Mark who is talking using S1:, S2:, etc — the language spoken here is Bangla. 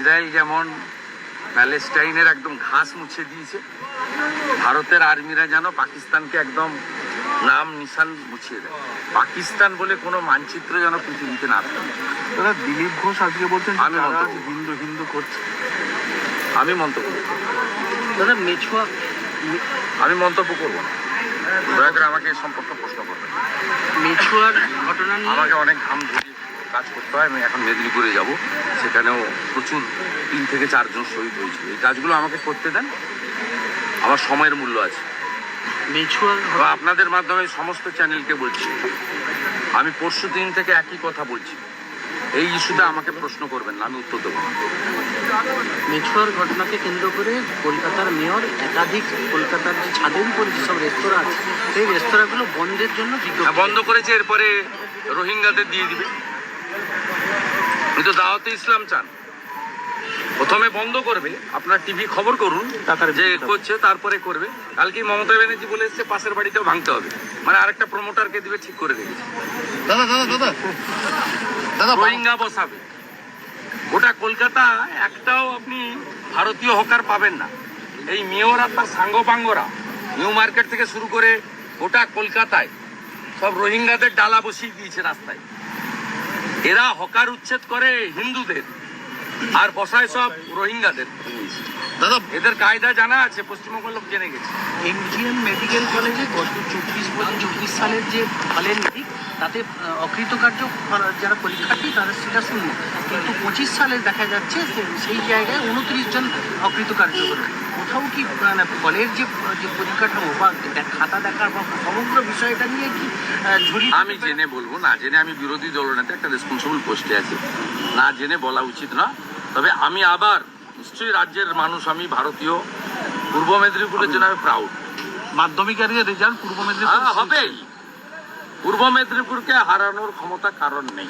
S1: ইসরায়েল যেমন প্যালেস্টাইনের একদম ঘাস মুছে দিয়েছে, ভারতের আর্মিরা যেন পাকিস্তানকে একদম নাম নিশান মুছিয়ে দেয়। পাকিস্তান বলে কোনো মানচিত্র যেন পৃথিবীতে না থাকে।
S2: দাদা, দিলীপ ঘোষ আজকে বলছেন
S1: আমি
S2: তারা
S1: মন্তব্য
S2: হিন্দু হিন্দু করছে।
S1: আমি মন্তব্য করব না।
S3: দাদা মেছুয়া
S1: আমি মন্তব্য করবো না, দয়া করে আমাকে এই সম্পর্কে প্রশ্ন করবেন।
S3: মেছুয়ার ঘটনা নিয়ে
S1: আমাকে অনেক ঘাম ঝরিয়ে কাজ করতে হয়। আমি এখন মেদিনীপুরে যাব, সেখানেও প্রচুর 3 থেকে 4 জন শহীদ হয়েছে। এই কাজগুলো আমাকে করতে দেন, আমার সময়ের মূল্য আছে।
S3: মেছুয়ার
S1: তো আপনাদের মাধ্যমে সমস্ত চ্যানেলকে বলছি, আমি পরশুদিন থেকে একই কথা বলছি, এই ইস্যুতে আমাকে প্রশ্ন করবেন না, আমি উত্তর দেবো না।
S3: মেছুয়ার ঘটনাকে কেন্দ্র করে কলকাতার মেয়র একাধিক কলকাতার যে ছাদের উপরে যেসব রেস্তোরাঁ আছে সেই রেস্তোরাঁগুলো বন্ধের জন্য বিজ্ঞপ্তি
S1: বন্ধ করেছে, এরপরে রোহিঙ্গাদের দিয়ে দিবে। উনি তো দাওয়াতে ইসলাম চান, প্রথমে বন্ধ করবে, আপনার টিভি খবর করুন যে করছে, তারপরে করবে। কালকে মমতা ব্যানার্জি বলে এসছে পাশের বাড়িতেও ভাঙতে হবে, মানে আরেকটা প্রমোটারকে দিবে, ঠিক করে রেখেছে।
S2: দাদা দাদা দাদা দাদা
S1: রোহিঙ্গা বসাবে গোটা কলকাতা, একটাও আপনি ভারতীয় হকার পাবেন না। এই মেয়র আর তার সাঙ্গপাঙ্গরা নিউ মার্কেট থেকে শুরু করে গোটা কলকাতায় সব রোহিঙ্গাদের ডালা বসিয়ে দিয়েছে রাস্তায়। এরা হকার উচ্ছেদ করে হিন্দুদের আর বসায় সব রোহিঙ্গাদের।
S2: দাদা
S1: এদের কায়দা জানা আছে, পশ্চিমবঙ্গের লোক জেনে গেছে।
S3: এমজিএম মেডিকেল কলেজে গত 24 সালের যে ফলের নিরিখ তাতে অকৃতকার্য যারা পরীক্ষার্থী তাদের সেটা শূন্য, কিন্তু 25 সালে দেখা যাচ্ছে সেই জায়গায় 29 জন অকৃতকার্য হলো। কোথাও কি মানে ফলের যে পরিকাঠামো বা খাতা দেখার বা সমগ্র বিষয়টা নিয়ে কি ঝুড়ি?
S1: আমি জেনে বলবো না, জেনে আমি বিরোধী দলনেতা একটা রেসপন্সিবল পোস্টে আছি, না জেনে বলা উচিত না। তবে আমি আবার নিশ্চয়ই রাজ্যের মানুষ, আমি ভারতীয়, পূর্ব মেদিনীপুরের জন্য আমি প্রাউড।
S2: মাধ্যমিকের রেজাল্ট পূর্ব মেদিনীপুর
S1: হবেই, পূর্ব মেদিনীপুরকে হারানোর ক্ষমতা কারণ নেই।